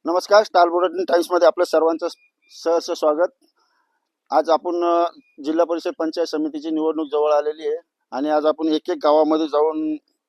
नमस्कार. Star bulletin टाइम्समध्ये आपलं सर्वांचं सहर्ष स्वागत. आज आपण जिल्हा परिषद पंचायत समितीची निवडणूक जवळ आलेली आहे आणि आज आपण एक एक गावामध्ये जाऊन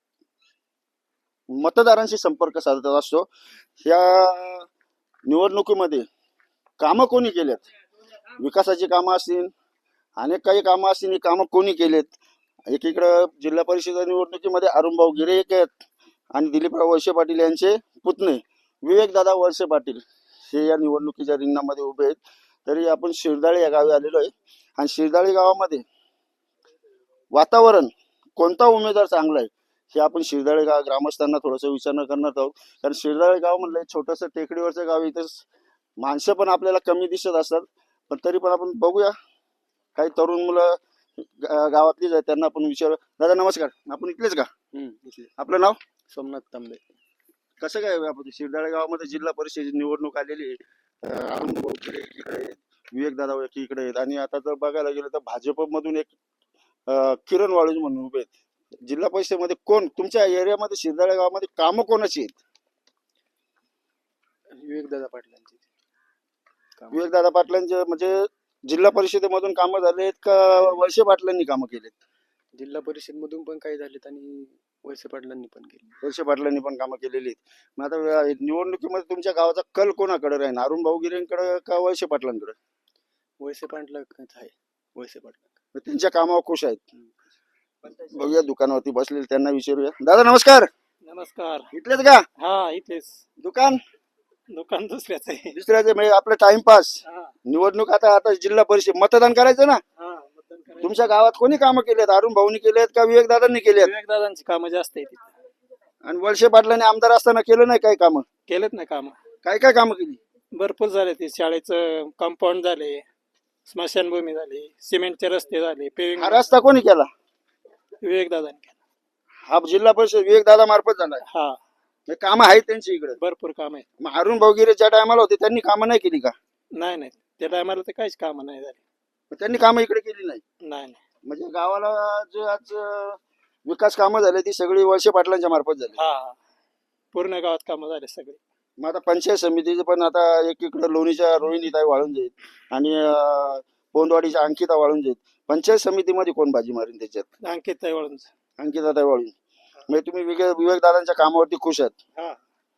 मतदारांशी संपर्क साधत असतो. या निवडणुकीमध्ये कामं कोणी केलेत, विकासाची कामं असतील, अनेक काही कामं असतील, ही कामं कोणी केलेत. एकीकडं जिल्हा परिषद निवडणुकीमध्ये अरुणभाऊ गिरे एक आहेत आणि दिलीपराव वळसे पाटील यांचे पुतणे विवेकदादा वळसे पाटील हे या निवडणुकीच्या रिंगणामध्ये उभे आहेत. तरी आपण शिरदाळे या गावी आलेलो आहे आणि शिरदाळे गावामध्ये वातावरण कोणता उमेदवार चांगला आहे हे आपण शिरदाळे गाव ग्रामस्थांना थोडंसं विचारणा करणार आहोत. कारण शिरदाळे गाव म्हणलं छोटंसं टेकडीवरचं गाव, इथं माणसं पण आपल्याला कमी दिसत असतात, पण तरी पण आपण बघूया. काही तरुण मुलं गावातलीच आहेत, त्यांना आपण विचारू. दादा नमस्कार, आपण इथलेच का? आपलं नाव? सोमनाथ तांबे. कसं काय आपण शिरदाळे गावामध्ये जिल्हा परिषद निवडणूक आलेली आहे, अरुणभाऊ गिरे इकडे आहेत, विवेकदादा इकडे आहेत आणि आता जर बघायला गेलं तर भाजपमधून एक किरण वाळूज म्हणून उभे आहेत. जिल्हा परिषदेमध्ये कोण तुमच्या एरियामध्ये शिरदाळे गावामध्ये कामं कोणाची आहेत? विवेकदादा पाटलांची. विवेकदादा पाटलांचे म्हणजे जिल्हा परिषदेमधून कामं झालेत का वळसे पाटलांनी कामं केलेत? जिल्हा परिषद मधून पण काही झालेत आणि वळसे पाटलांनी पण केले. वळसे पाटलांनी पण कामं केलेली आहेत. मग आता निवडणुकीमध्ये तुमच्या गावाचा कल कोणाकडे राहील, अरुणभाऊ गिरेंकडे का वळसे पाटलांकडे? वळसे पाटलांच आहे. वळसे पाटला त्यांच्या कामावर खुश आहेत. बघूया दुकानावरती बसलेले, त्यांना विचारूया. दादा नमस्कार. नमस्कार. इथलेच का? हा इथेच. दुकान दुकान दुसऱ्याच आहे. दुसऱ्याचे म्हणजे आपलं टाइमपास. निवडणूक आता आता जिल्हा परिषद मतदान करायचं ना. तुमच्या गावात कोणी कामं केलेत, अरुण भाऊनी केलेत का विवेकदादांनी केलेत? विवेकदादांची कामं जास्त आहेत. आणि वळसे पाटलांनी आमदार असताना केलं नाही काही कामं? केलेत ना कामं. काय काय कामं केली? भरपूर झाले. ते शाळेचं कंपाऊंड झाले, स्मशानभूमी झाली, सिमेंटचे रस्ते झाले, पेविंग हा रस्ता कोणी केला? विवेकदादांनी केला. हा जिल्हा परिषद विवेकदादा मार्फत झालाय. हा कामं आहेत त्यांची इकडे. भरपूर काम आहे. मग अरुण भाऊ गिरे ज्या टायमाला होते त्यांनी कामं नाही केली का? नाही त्या टायमाला तर काहीच कामं नाही झाली. त्यांनी कामं इकडे केली नाही. नाही म्हणजे गावाला जे आज विकास कामं झाले ती सगळी वळसे पाटलांच्या मार्फत झाली. हा पूर्ण गावात कामं झाले सगळे. मग आता पंचायत समितीचे पण आता एकीकडे लोणीच्या रोहिणीताई वाळून जाईल आणि पोंदवाडीच्या अंकिता वाळून जाईल. पंचायत समितीमध्ये कोण बाजी मारेल त्याच्यात? अंकित वळून. अंकिताताई वाळून. म्हणजे तुम्ही विवेकदादांच्या कामावरती खुश आहात.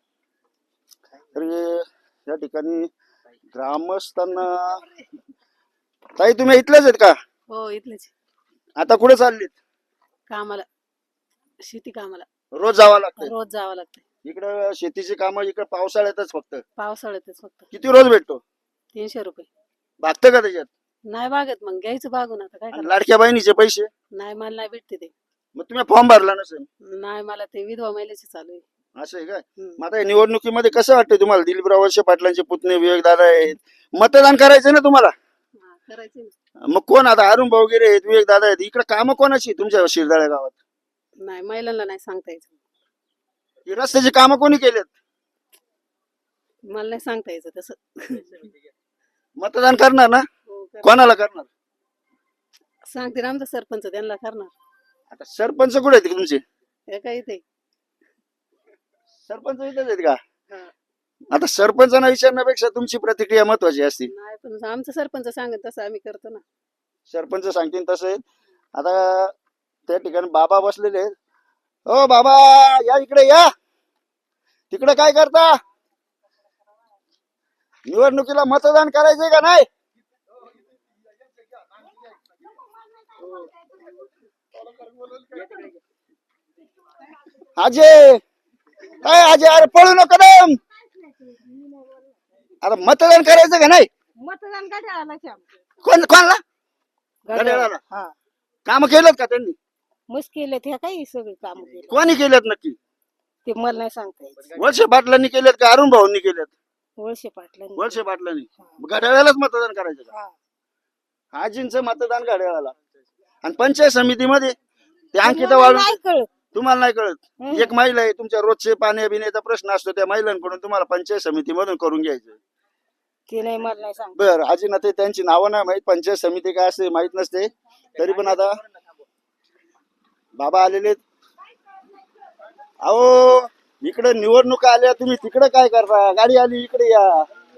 तर या ठिकाणी ग्रामस्थांना. ताई तुम्ही इथलेच आहेत का? हो इथलेच. आता कुठे चाललीत? कामाला, शेती कामाला रोज जावं लागतं रोज जावं लागतं. इकडं शेतीची कामं इकडे पावसाळ्यातच फक्त. पावसाळ्यातच फक्त. किती रोज भेटतो? 300 रुपये. भागतं का त्याच्यात? नाही बागत, मग घ्यायचं बागून. आता काय आणि करायचं? लाडक्या बहिणीचे पैसे? नाही मला नाही भेटते ते. मग तुम्ही फॉर्म भरला नसेल. नाही मला ते विधवा महिलेचे चालू आहे. असं आहे काय? मग आता निवडणुकीमध्ये कसं वाटतं तुम्हाला? दिलीपराव वळसे पाटलांचे पुतणे विवेकदादा आहेत, मतदान करायचं ना तुम्हाला. करायचे ना. मग कोण आता अरुण भाऊ गिरे आहेत, विवेकदादा आहेत, इकडे कामं कोणाची तुमच्या शिरदाळ्या गावात? नाही महिलांना नाही सांगता यायचं. ही रस्त्याची कामं कोणी केलेत? मला नाही सांगता यायचं तसं. मतदान करणार ना? कोणाला करणार? सांगते ना आमचा सरपंच, त्यांना करणार. आता सरपंच कुठे आहेत तुमचे? हे काय इथे. सरपंच इथेच आहेत का? आता सरपंचांना विचारण्यापेक्षा तुमची प्रतिक्रिया महत्वाची असते. नाही पण आमचं सरपंच सांगत तसं आम्ही करतो ना. सरपंच सांगतील तसं आहे. आता त्या ठिकाणी बाबा बसलेले आहेत. ओ बाबा या इकडे या. तिकडे काय करता? निवडणुकीला मतदान करायचंय का नाही? अजय काय अजय, अरे पळू नको दम. आता मतदान करायचं का नाही? मतदान घड्याळाला. कोणाला? घड्याळाला. काम केलं का त्यांनी? मुश्किल हे काही सगळे काम केले. कोणी केलेत नक्की? ते मला नाही सांगता यायचं. वळसे पाटलांनी केलेत का अरुण भाऊंनी केलेत? वळसे पाटलांनी. वळसे पाटलांनी. घड्याळालाच मतदान करायचं का? आजींचं मतदान घड्याळाला. आणि पंचायत समितीमध्ये ते अंकिता वाळून. नाही कळत. तुम्हाला नाही कळत? एक महिला आहे, तुमच्या रोजचे पाण्या बिण्याचा प्रश्न असतो, त्या महिलांकडून तुम्हाला पंचायत समितीमधून करून घ्यायचं. ते नाही मला नाही सांगत. बर आजींना ते त्यांची नावं नाही माहित, पंचायत समिती काय असते माहित नसते. तरी पण आता बाबा आलेले. अहो इकडे निवडणुका आल्या, तुम्ही तिकडे काय करता? गाडी आली इकडे या.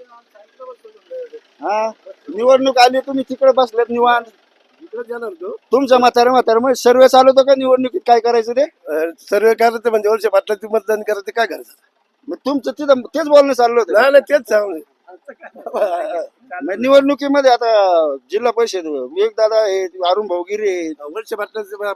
हा, निवडणूक आली, तुम्ही तिकडे बसलेत निवांत. तुमचं म्हातारे मग सर्व चालवतो का निवडणुकीत? काय करायचं ते सर्व करायचं म्हणजे वर्ष पाटलाची मतदान करायचं, काय करायचं? मग तुमचं तिथं तेच बोलणं चाललं होतं. नाही तेच सांग. मग निवडणुकीमध्ये आता जिल्हा परिषद विवेक दादा आहे, अरुण भाऊगिरी आहे, वर्ष पाटलाचं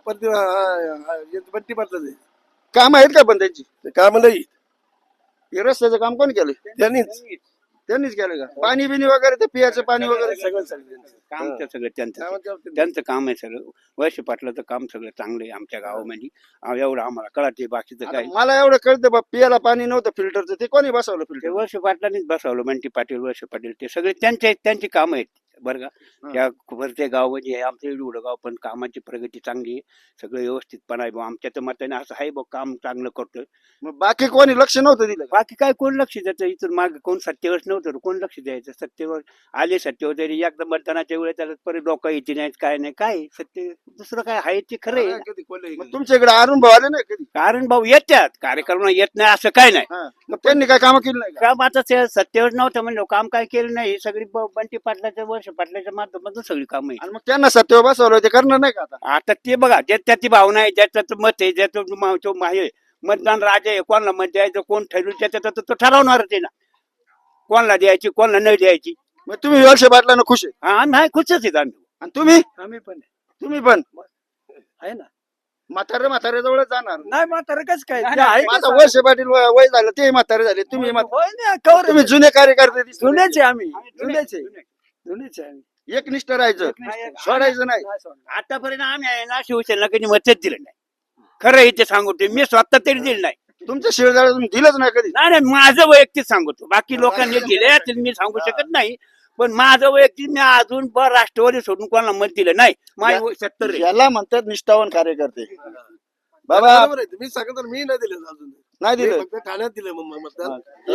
बट्टी पाटलाचं काम आहेत का पण त्यांची? काम नाही, हे रस्त्याचं काम कोण केलं? त्यांनीच केलं का? पाणी बिनी वगैरे ते पियाचं पाणी वगैरे सगळं काम ते सगळं त्यांचं काम आहे सगळं. वर्ष पाटलाचं काम सगळं चांगलं आहे आमच्या गावामध्ये. एवढं आम्हाला कळते, बाकीचं काय. मला एवढं कळतं बा, पियाला पाणी नव्हतं फिल्टरचं, ते कोणी बसवलं ते फिल्टर? वर्ष पाटलांनीच बसवलं. बंटी पाटील, वर्ष पाटील, ते सगळे त्यांची कामं आहेत बरं का. त्या भरते गाव म्हणजे आमचं एवढं गाव, पण कामाची प्रगती चांगली आहे, सगळं व्यवस्थितपणा आहे बुवा. आमच्या तर मताने असं आहे बघ, काम चांगलं करतोय. मग बाकी कोणी लक्ष नव्हतं दिलं का? बाकी काय कोण लक्ष द्यायचं? इथून मागे कोण सत्तेवर नव्हतं, कोण लक्ष द्यायचं? सत्तेवर आले, सत्तेवर तरी एकदा मतदानाच्या वेळेस त्याला परत डोका येते नाहीत, काय नाही, काय सत्य दुसरं काय आहे ते खरं आहे. मग तुमच्या इकडे अरुण भाऊ आले नाही कधी? कारण भाऊ येतात कार्यक्रम, येत नाही असं काय नाही. हा. मग त्यांनी काय कामं केली नाही का? काम आता ते सत्तेवर नव्हतं म्हणलं, काम काय केलं नाही. सगळी बंटी पाटलाच्या, वर्ष पाटलाच्या माध्यमातून सगळी काम आहे. आणि मग त्यांना सत्तेवर बसवलं, ते करणार नाही का आता? आता ते बघा, ज्याची भावना आहे, ज्याचं मत आहे, ज्याचं तो आहे, मतदान राजा आहे, कोणाला मत द्यायचं, कोण ठरवलं त्याच्यात तो ठरवणारच आहे ना, कोणाला द्यायची, कोणाला नाही द्यायची. मग तुम्ही वर्ष पाटलांना खुश आहे? आम्ही आहे, खुशच आहेत आम्ही. आणि तुम्ही आम्ही पण तुम्ही पण आहे ना. म्हातारे जवळ जाणार? नाही म्हातारं कसं काय? नाही, ते आहे माझा कसं? वर्ष पाटील वय झालं, ते म्हातारे झाले, तुम्ही होय ना, कवर तुम्ही जुने कार्यकर्ते दिसले. जुनेच आहे आम्ही, जुनेच जुनेच आहे, जुनेच आहे आम्ही. एकनिष्ठ राहायचं, नाही, सोडायचं नाही. नाही सोडणार. आतापर्यंत आम्ही आहे ना, शिवसेनेला कधी मतच दिलं नाही. खरं इथे सांगतो, मी स्वतः तरी दिलं नाही. तुमच्या शिवजाळ दिलंच नाही कधी? नाही नाही, माझं वैयक्तिक सांगतो, बाकी लोकांनी दिले तर मी सांगू शकत नाही, पण माझं वैयक्तिक मी अजून राष्ट्रवादी सोडून कोणाला मत दिलं नाही. माझी वय 70 आहे. याला म्हणतात निष्ठावान कार्यकर्ते. बाबा बरोबर आहे, मी सांगतो मी नाही दिलं अजून, नाही मी दिलं. फक्त ठाण्यात दिलं मतदान. हे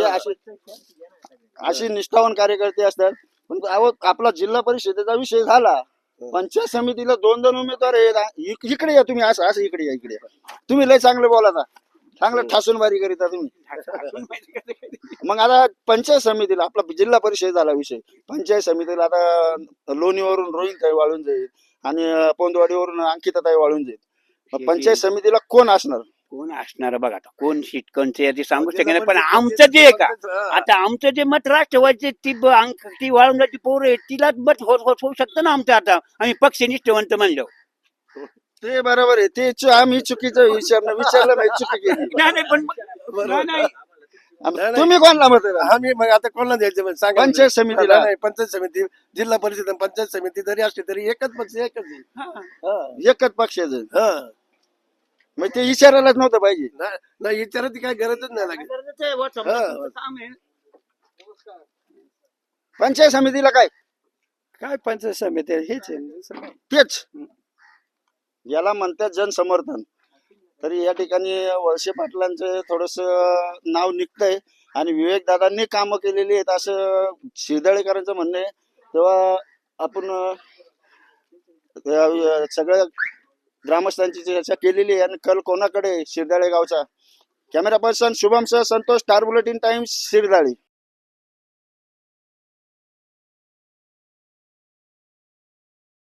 अशी निष्ठावान कार्यकर्ते असतात. पण आपला जिल्हा परिषदेचा विषय झाला, पंचायत समितीला 2 उमेदवार आहेत. इकडे या तुम्ही, असं इकडे या, इकडे या. तुम्ही लय चांगलं बोलाता, चांगलं ठासूनबारी करीता तुम्ही. मग आता पंचायत समितीला, आपला जिल्हा परिषद झाला विषय, पंचायत समितीला आता लोणीवरून रोहिणताई वाळून जाईल आणि पोंदवाडीवरून अंकिताताई वाळून जाईल. मग पंचायत समितीला कोण असणार? कोण असणार बघा, आता कोण सीट कोणचं यादी सांगू शकत नाही. पण आमचं जे आहे का, आता आमचं जे मत राष्ट्रवादीचे ती वाळून जायची पोरं आहे, तिलाच मत होऊ शकतं ना आमचं. आता आम्ही पक्षनिष्ठवंत म्हणलो. ते बरोबर आहे, ते आम्ही चुकीचं विचारलं नाही, चुकी केली. नाही, पण नाही. तुम्ही कोणला मत आहे? आम्ही मग आता कोणाला द्यायचं म्हणजे सांगा. पंचायत समितीला? नाही, पंचायत समिती, जिल्हा परिषद आणि पंचायत समिती जरी असली तरी एकच पक्ष, एकच आहे. हा. एकच पक्षाचं. हा. मग ते विचारायलाच नव्हतं पाहिजे. नाही विचारायची काय गरजच नाही लागेल. पंचायत समितीला काय पंचायत समिती आहे, हेच आहे दुसरं काय. तेच याला म्हणतात जनसमर्थन. तरी या ठिकाणी वळसे पाटलांचं थोडस नाव निघतंय आणि विवेक दादांनी कामं केलेली आहेत असं शिरदळेकरांचं म्हणणं आहे. तेव्हा आपण सगळ्या ग्रामस्थांची चर्चा केलेली आहे आणि कल कोणाकडे? शिरदाळे गावचा. कॅमेरा पर्सन शुभम सह संतोष, स्टार बुलेटिन टाइम्स, शिरदाळे.